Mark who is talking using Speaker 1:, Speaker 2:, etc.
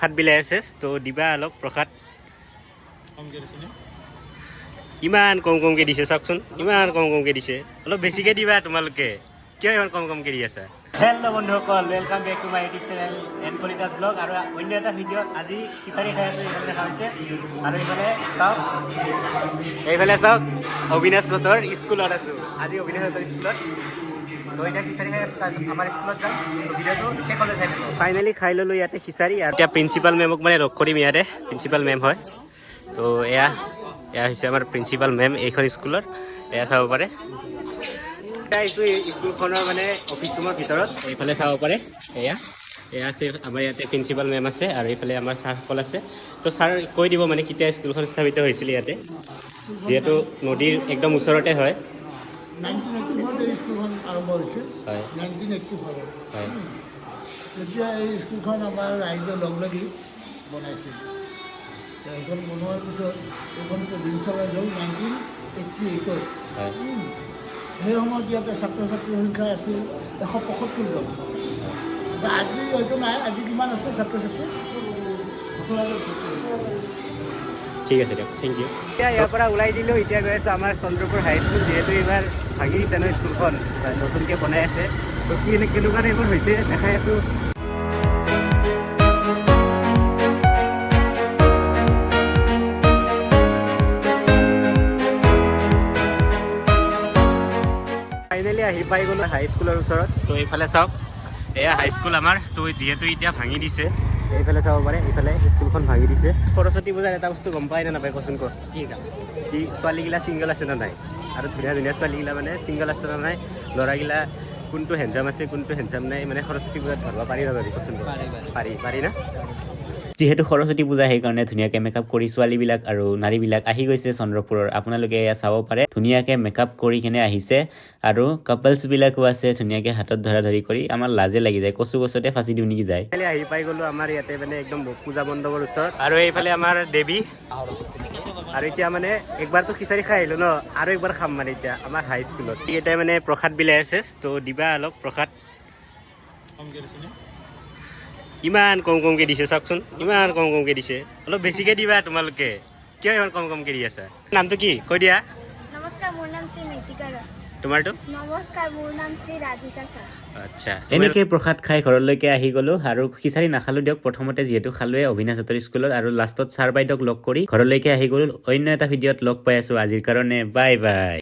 Speaker 1: প্ৰসাদ বিলাই আছে তো দিবা অলপ প্ৰসাদ ইমান কমকৈ দিছে চাওকচোন ইমান কমকৈ দিছে অলপ বেছিকৈ দিবা তোমালোকে কিয় ইমান কমকৈ দি আছা হেল্ল' বন্ধুসকল welcome back to my YouTube channel N কলিতাছ ব্লগ আৰু অন্য এটা ভিডিঅ'ত আজি খিচাৰি খাই আছোঁ এইফালে দেখা হৈছে আৰু এইফালে চাওক অবিনাশ হঁতৰ স্কুলত আছোঁ আজি অবিনাশ হঁতৰ স্কুলত তো এতিয়া খিচাৰি খাই আছোঁ তাৰপিছত আমাৰ স্কুলত যাম ভিডিঅ'টো শেষলৈ চাই থাকোঁ ফাইনেলি খাই ল'লোঁ ইয়াতে খিচাৰি আৰু এতিয়া প্ৰিন্সিপাল মেমক মানে লগ কৰিম ইয়াতে প্ৰিন্সিপাল মেম হয় তো এয়া হৈছে আমাৰ প্ৰিন্সিপাল মেম এইখন স্কুলৰ এয়া চাব পাৰে আহিছোঁ স্কুলখনৰ মানে অফিচ ৰুমৰ ভিতৰত এইফালে চাব পাৰে এয়া আছে আমাৰ ইয়াতে প্ৰিন্সিপাল মেম আছে আৰু এইফালে আমাৰ ছাৰসকল আছে তো ছাৰ কৈ দিব মানে কেতিয়া স্কুলখন স্থাপিত হৈছিল ইয়াতে যিহেতু নদীৰ একদম ওচৰতে হয়
Speaker 2: 1984 স্কুলখন আৰম্ভ হৈছিল
Speaker 1: হয়
Speaker 2: 1984
Speaker 1: হয়
Speaker 2: তেতিয়া এই স্কুলখন আমাৰ ৰাইজে লগ লাগি বনাইছিল এইখন বনোৱাৰ পিছত এইখন প্ৰভিঞ্চিয়েলাইজ হ'ল 1988
Speaker 1: হয়
Speaker 2: সেই সময়ত ইয়াতে ছাত্ৰ ছাত্ৰীৰ সংখ্যা আছিল 175 জন আজি হয়তো নাই আজি কিমান আছে ছাত্ৰ ছাত্ৰী
Speaker 1: ঠিক আছে দিয়ক থেংক ইউ এতিয়া ইয়াৰ পৰা ওলাই দিলোঁ এতিয়া গৈ আছোঁ আমাৰ চন্দ্ৰপুৰ হাইস্কুল যিহেতু এইবাৰ ভাগি দিছে ন স্কুলখন নতুনকৈ বনাই আছে তো কেনেকুৱা টাইপৰ হৈছে দেখাই আছোঁ ফাইনেলি আহি পাই গ'লোঁ হাইস্কুলৰ ওচৰত তো এইফালে চাওক এয়া হাইস্কুল আমাৰ তো যিহেতু এতিয়া ভাঙি দিছে এইফালে চাব পাৰে এইফালে স্কুলখন ভাঙি দিছে সৰস্বতী পূজাৰ এটা বস্তু গম পাই নে নাপায় কচোন ক কি ছোৱালীগিলা ছিংগল আছে নে নাই আৰু ধুনীয়া ধুনীয়া ছোৱালীগিলা মানে ছিংগল আছে নে নাই ল'ৰাগিলা কোনটো হেণ্ডচাম আছে কোনটো হেণ্ডচাম নাই মানে সৰস্বতী পূজাত ধৰিব পাৰি নাপাৰি কচোন পাৰি না যিহেতু সৰস্বতী পূজা সেইকাৰণে ধুনীয়াকৈ মেকআপ কৰি ছোৱালীবিলাক আৰু নাৰীবিলাক আহি গৈছে চন্দ্ৰপুৰৰ আপোনালোকে এয়া চাব পাৰে ধুনীয়াকৈ মেকআপ কৰি কিনে আহিছে আৰু কাপলছবিলাকো আছে ধুনীয়াকৈ হাতত ধৰা ধৰি কৰি আমাৰ লাজে লাগি যায় কচু গছতে ফাঁচি দিওঁ নেকি যায় আহি পাই গ'লোঁ আমাৰ ইয়াতে মানে একদম পূজা মণ্ডপৰ ওচৰত আৰু এইফালে আমাৰ দেৱী আৰু এতিয়া মানে একবাৰতো খিচাৰি খাই আহিলোঁ ন আৰু একবাৰ খাম মানে এতিয়া আমাৰ হাইস্কুলত এতিয়া মানে প্ৰসাদ বিলাই আছে তো দিবা অলপ প্ৰসাদ ইমান কমকৈ দিছে চাওকচোন ইমান কমকৈ দিছে অলপ বেছিকৈ দিবা তোমালোকে কিয় ইমান কমকৈ দি আছা নামটো কি কৈ দিয়া
Speaker 3: নমস্কাৰ মোৰ নাম শ্ৰী মেটিকা ৰায়
Speaker 1: তোমাৰটো
Speaker 3: নমস্কাৰ মোৰ নাম শ্ৰী ৰাধিকা ছাৰ
Speaker 1: আচ্ছা এনেকৈ প্ৰসাদ খাই ঘৰলৈকে আহি গ'লোঁ আৰু খিচাৰি নাখালোঁ দিয়ক প্ৰথমতে যিহেতু খালোৱে অবিনাশ হঁতৰ স্কুলত আৰু লাষ্টত ছাৰ বাইদেউক লগ কৰি ঘৰলৈকে আহি গ'লোঁ অন্য এটা ভিডিঅ'ত লগ পাই আছোঁ আজিৰ কাৰণে বাই বাই